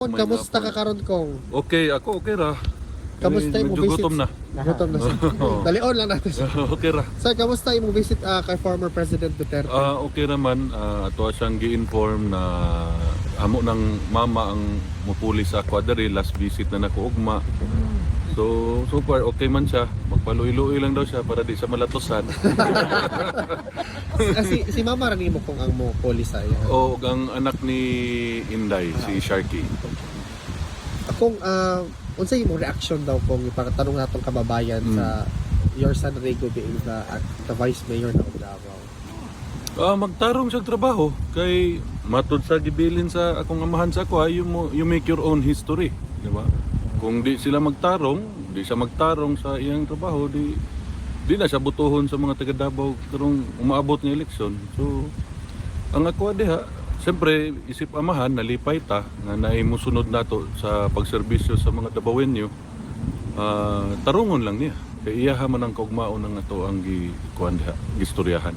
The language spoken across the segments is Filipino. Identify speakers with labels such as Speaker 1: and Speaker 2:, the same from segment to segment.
Speaker 1: Kamusta ka karon kong?
Speaker 2: Okay, ako okay ra.
Speaker 1: Kamusta yung
Speaker 2: Medyo
Speaker 1: visit?
Speaker 2: gutom na.
Speaker 1: Gutom na siya. Dalion lang natin siya.
Speaker 2: Okay ra.
Speaker 1: Sir, kamusta yung visit kay former President Duterte?
Speaker 2: Okay naman. Ato siyang gi-inform na amo ng mama ang mupuli sa Quadri. Last visit na nako ugma. So far okay man siya. Magpaluy-luy lang daw siya para di sa malatosan.
Speaker 1: Si Mama rin mo kung ang mo puli sa iya.
Speaker 2: O ang anak ni Inday, si Sharky.
Speaker 1: Akong unsa imong reaction daw kung ipakatanong natong kababayan sa your son Rego being the vice mayor ng Davao.
Speaker 2: Magtarong sa trabaho kay matud sa gibilin sa akong amahan sa ako, you make your own history, di ba? Kung di sila magtarong, di siya magtarong sa iyang trabaho, di na siya butuhon sa mga taga Davao karong umaabot ng eleksyon. So ang ako diha, siyempre isip amahan nalipay ta nga naimusunod nato sa pagserbisyo sa mga Davaoenyo. Tarungon lang niya. Kay iya man ang kaugmaon ng ato ang gikuan diha, gistoryahan.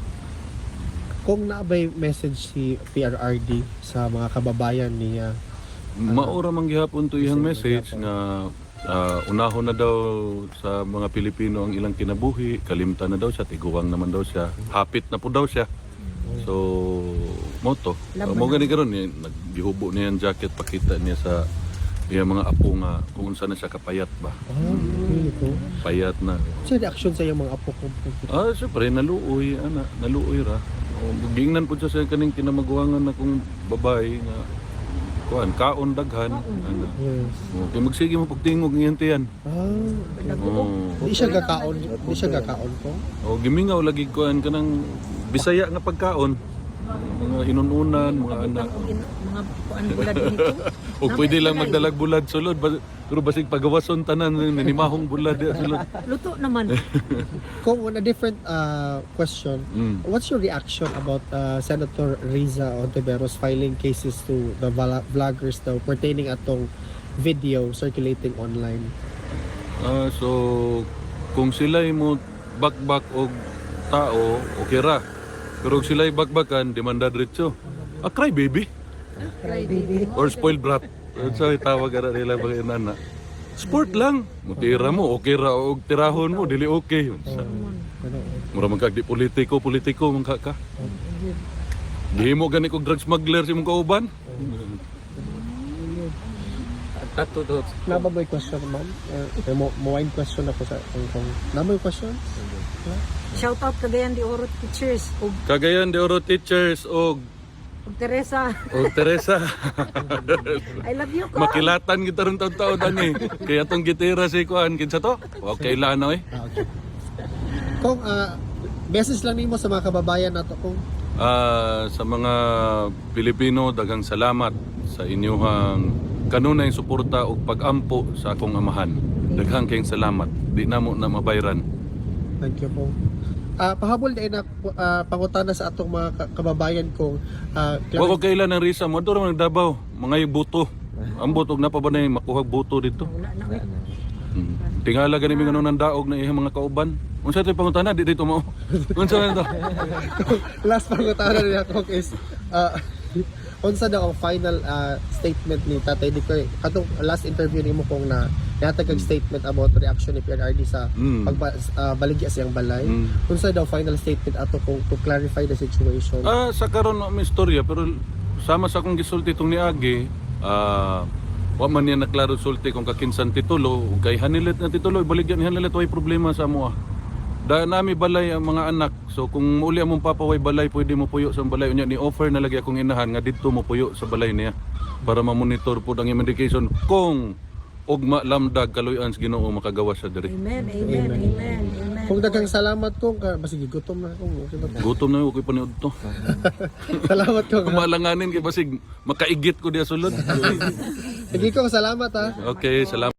Speaker 1: Kung naabay message si PRRD sa mga kababayan niya,
Speaker 2: Maura man gihapon to iyang message nga unahon na daw sa mga Pilipino ang ilang kinabuhi, kalimtan na daw siya, tiguwang naman daw siya, hapit na po daw siya. So, moto. Mo gani karon ni naggihubo niya ang jacket, pakita niya sa iyang mga apo nga kung unsa na siya kapayat ba. Payat na.
Speaker 1: sa reaction sa iyong mga apo ko?
Speaker 2: Syempre naluoy ra. Gingnan po siya sa kaning kinamaguangan na kung babae nga kaon daghan.
Speaker 1: Yes.
Speaker 2: Okay, magsige mo pagtingog ng yan.
Speaker 1: Di siya gakaon ko.
Speaker 2: Gimingaw lagi kuan kanang Bisaya nga pagkaon. Mga inununan, mga anak.
Speaker 3: Mga kuan bulad dito.
Speaker 2: O pwede lang magdalag bulad sulod. Pero basig pagawason tanan, nanimahong bulad sulod.
Speaker 3: Luto naman.
Speaker 1: Kung on a different question, what's your reaction about Senator Riza Ontiveros filing cases to the vloggers daw pertaining atong video circulating online?
Speaker 2: So, kung sila'y mo bakbak og tao, okay ra. Pero kung sila'y bakbakan, demanda diretso. Cry baby. Or spoiled brat. So, tawag ka na nila mga inana. Sport lang. Mutira mo, okay ra. O tirahon mo, dili okay. Mura man kag di politiko man ka. Di mo gani kog drug smuggler si mong kauban.
Speaker 1: Nababoy question, ma'am? Mo wine question ako sa kung nababoy question?
Speaker 3: Shout out Cagayan de Oro teachers ug
Speaker 2: Cagayan de Oro teachers og
Speaker 3: Teresa.
Speaker 2: Teresa.
Speaker 3: I love you ko.
Speaker 2: Makilatan kita ron taon-taon ani. Kaya tong gitira si kuan kinsa to? Okay lang na
Speaker 1: Okay. Kung message lang nimo sa mga kababayan nato kung
Speaker 2: sa mga Pilipino, daghang salamat sa inyong kanunay suporta ug pag-ampo sa akong amahan. Daghang kayong salamat. Di namo na mabayran.
Speaker 1: thank you po. Pahabol din na pangutana sa atong mga kababayan kung
Speaker 2: Wa ko kailan ang risa mo duro man Davao, mga buto. Ang buto na pa ba na makuha buto dito?
Speaker 3: Wala na oy.
Speaker 2: Tingala gani mi ng daog na iyang mga kauban. Unsa tay pangutana di dito mo? Unsa man to?
Speaker 1: last pangutana niya ko is unsa daw ang final statement ni Tatay Dicoy katong last interview nimo kung na natagag statement about reaction ni PRRD sa pagbaligya sa iyang balay. Unsa daw final statement ato kung to clarify the situation?
Speaker 2: Sa karon na istorya pero sama sa akong gisulti tong niagi, wa man niya naklaro sulti kung kakinsan titulo ug kay hanilet na titulo ibaligyan ni hanilet way problema sa amo. Da nami balay ang mga anak. So kung uli among papaway balay, pwede mo puyo sa balay unya ni offer na lagi akong inahan nga didto mo puyo sa balay niya para ma-monitor pud ang medication kung ugma lamdag kaluy-an sa Ginoo makagawa sa diri.
Speaker 3: Amen. Amen. Amen. Amen.
Speaker 1: Kung daghang salamat ko basig gutom na ako.
Speaker 2: Gutom na ako paniud to.
Speaker 1: Salamat ko.
Speaker 2: Kumalanganin kay basig makaigit ko diya sulod.
Speaker 1: Sige ko salamat ha.
Speaker 2: Okay, salamat.